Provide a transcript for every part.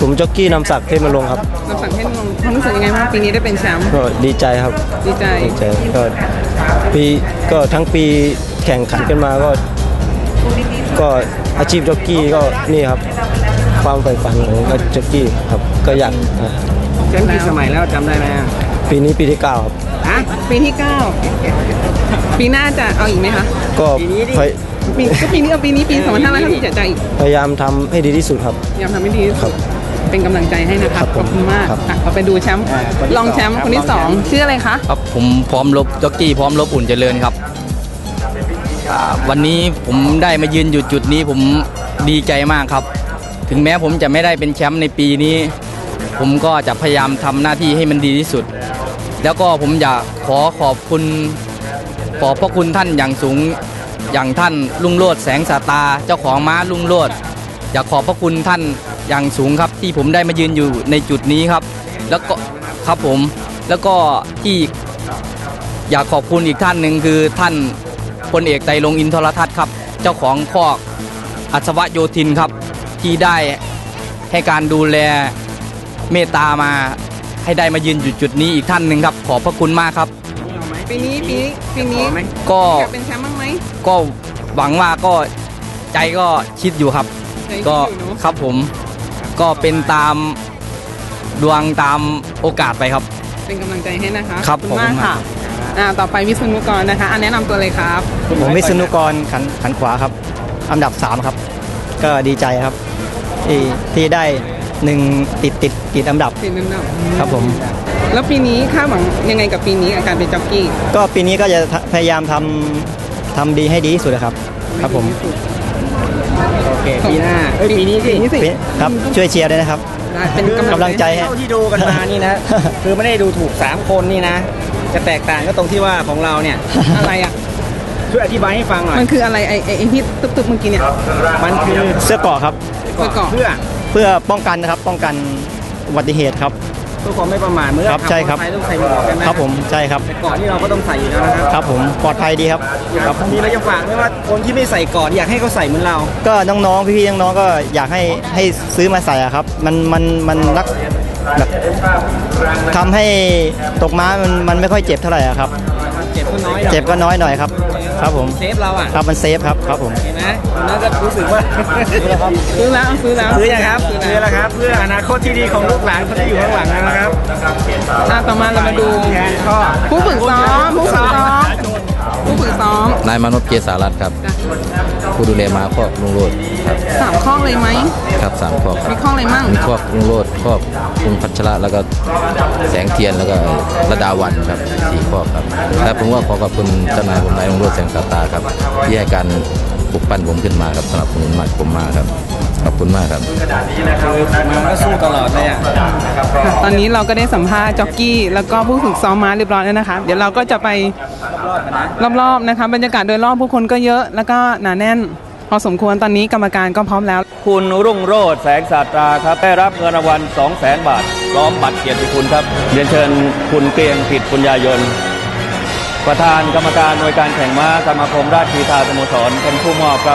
ผมจ็อกกี้นำศักดิ์เทพมลงครับนำศักดิ์เทพมลงความรู้สึกยังไงบ้างปีนี้ได้เป็นแชมป์ก็ดีใจครับดีใจก็ทั้งปีแข่งขันกันมาก็อาชีพจ็อกกี้ก็นี่ครับความใฝ่ฝันของจ็อกกี้ครับก็อยากแชมป์กี่สมัยแล้วจำได้ไหมปีนี้ปีที่9ครับปีที่9ปีหน้าจะเอาอีกไหมคะก็ปีนี้ปี2557จะอีกพยายามทำให้ดีที่สุดครับพยายามทำให้ดีที่สุดเป็นกำลังใจให้นะครับขอบคุณมากเราไปดูแชมป์รองแชมป์คนที่2ชื่ออะไรคะครับผมพร้อมลบจ็อกกี้พร้อมลบอุ่นเจริญครับวันนี้ผมได้มายืนอยู่จุดนี้ผมดีใจมากครับถึงแม้ผมจะไม่ได้เป็นแชมป์ในปีนี้ผมก็จะพยายามทำหน้าที่ให้มันดีที่สุดแล้วก็ผมอยากขอบคุณขอบพระคุณท่านอย่างสูงอย่างท่านรุ่งโรจน์แสงสาตาเจ้าของม้ารุ่งโรจน์อยากขอบพระคุณท่านอย่างสูงครับที่ผมได้มายืนอยู่ในจุดนี้ครับแล้วก็ครับผมแล้วก็ที่อยากขอบคุณอีกท่านหนึ่งคือท่านพลเอกไตรรงค์อินทรทัศน์ครับเจ้าของคอกอัศวโยธินครับที่ได้ให้การดูแลเมตตามาให้ได้มายืนอยู่จุดนี้อีกท่านหนึ่งครับขอบพระคุณมากครับปีนี้ก็เป็นแชมป์บ้างไหมก็หวังว่าก็ใจก็คิดอยู่ครับก็ครับผมก็เป็นตามดวงตามโอกาสไปครับเป็นกำลังใจให้นะคะครับขอบคุณมากค่ะต่อไปวิษณุกรนะคะแนะนำตัวเลยครับผมวิษณุกรขันขวาครับอันดับ3ครับก็ดีใจครับที่ได้ติดอันดับครับผมแล้วปีนี้คาดหวังยังไงกับปีนี้อาการเป็นจ็อกกี้ก็ปีนี้ก็จะพยายามทำดีให้ดีที่สุดครับครับผมโอเคปีหน้าปีนี้สิครับช่วยเชียร์ด้วยนะครับเป็นกำลังใจให้ที่ดูกันมานี่นะคือไม่ได้ดูถูก3คนนี่นะจะแตกต่างก็ตรงที่ว่าของเราเนี่ยอะไรอ่ะช่วยอธิบายให้ฟังหน่อยมันคืออะไรไอ้ที่ตึกเมื่อกี้เนี่ยมันคือเสื้อเกราะครับเสื้อเกราะเพื่อป้องกันนะครับป้องกันอุบัติเหตุครับเพื่อความไม่ประมาทเมื่อขับรถไฟต้องใส่หมวกกันนะครับผมใช่ครับเกราะที่เราก็ต้องใส่อยู่แล้วนะครับครับผมปลอดภัยดีครับครับมีอะไรจะฝากไหมว่าคนที่ไม่ใส่เกราะอยากให้เขาใส่เหมือนเราก็น้องๆพี่ๆน้องๆก็อยากให้ซื้อมาใส่ครับมันรักแบบทำให้ตกม้ามันไม่ค่อยเจ็บเท่าไหร่ครับเจ็บก็น้อยหน่อยครับครับผมเซฟเราอ่ะครับมันเซฟครับผมเห็นไหมน่าจะรู้สึกว่าซื้อแล้วซื้อยังครับซื้อแล้วครับเพื่ออนาคตที่ดีของลูกหลานคนที่อยู่ข้างหลังนะครับต่อมาเรามาดูผู้ฝึกซ้อมนายมานพเกษารัตน์ครับผู้ดูแลม้าคอกลุงโรจน์ครับ 3 ข้อเลยไหมครับ3 ข้อมีข้ออะไรมั่งมีข้อลุงโรจน์ข้อคุณพัชระแล้วก็แสงเทียนแล้วก็ระดาวันครับ4 ข้อครับและผมว่าขอบคุณเจ้านายผมนายลุงโรจน์แสงสาตาครับที่ให้การปลุกปั้นผมขึ้นมาครับสนับสนุนมากผมมากครับขอบคุณมากครับมันก็สู้ตลอดเลยอ่ะตอนนี้เราก็ได้สัมภาษณ์จ็อกกี้แล้วก็ผู้ฝึกซ้อมม้าเรียบร้อยแล้วนะคะเดี๋ยวเราก็จะไปรอบๆนะคะบรรยากาศโดยรอบผู้คนก็เยอะแล้วก็หนาแน่นพอสมควรตอนนี้กรรมการก็พร้อมแล้วคุณรุ่งโรจน์แสงสาตราครับได้รับเงินรางวัล 200,000 บาทพร้อมบัตรเกียรติคุณครับเรียนเชิญคุณเกรียงกิจปุญญายนต์ประธานกรรมการหน่วยการแข่งม้าสมาคมราชกีฬาสโมสรเป็นผู้มอบครับ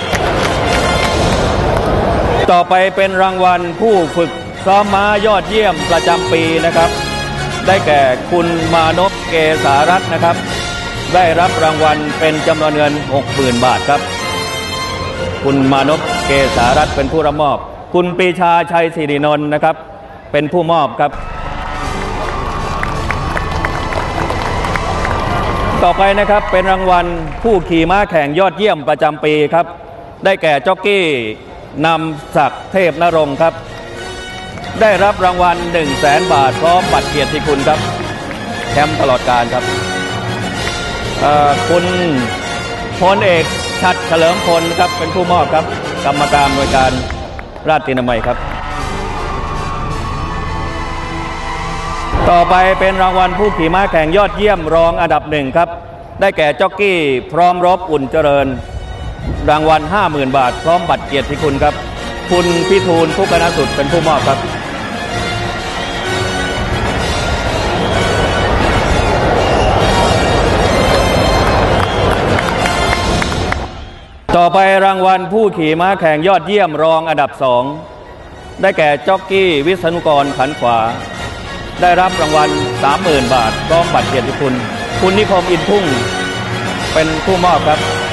ต่อไปเป็นรางวัลผู้ฝึกซ้อมม้ายอดเยี่ยมประจำปีนะครับได้แก่คุณมานพเกษารัตน์นะครับได้รับรางวัลเป็นจำนวนเงิน 60,000 บาทครับคุณมานพเกษารัตน์เป็นผู้รับมอบคุณปรีชาชัยศิรินนท์นะครับเป็นผู้มอบครับต่อไปนะครับเป็นรางวัลผู้ขี่ม้าแข่งยอดเยี่ยมประจำปีครับได้แก่จ็อกกี้นำศักดิ์เทพนรงค์ครับได้รับรางวัล 100,000 บาทพร้อมบัตรเกียรติคุณครับแชมป์ตลอดกาลครับคุณพลเอกชัดเฉลิมพลครับเป็นผู้มอบครับกรรมการหน่วยการราชตินามัยครับต่อไปเป็นรางวัลผู้ขี่ม้าแข่งยอดเยี่ยมรองอันดับ1ครับได้แก่จ็อกกี้พร้อมรบอุ่นเจริญรางวัล 50,000 บาทพร้อมบัตรเกียรติคุณครับคุณพิทูลผู้กนสุดเป็นผู้มอบครับต่อไปรางวัลผู้ขี่ม้าแข่งยอดเยี่ยมรองอันดับ2 ได้แก่จ็อกกี้วิษณุกรขันขวาได้รับรางวัล 30,000 บาทพร้อมบัตรเกียรติคุณคุณนิคมอินทุ่งเป็นผู้มอบครับ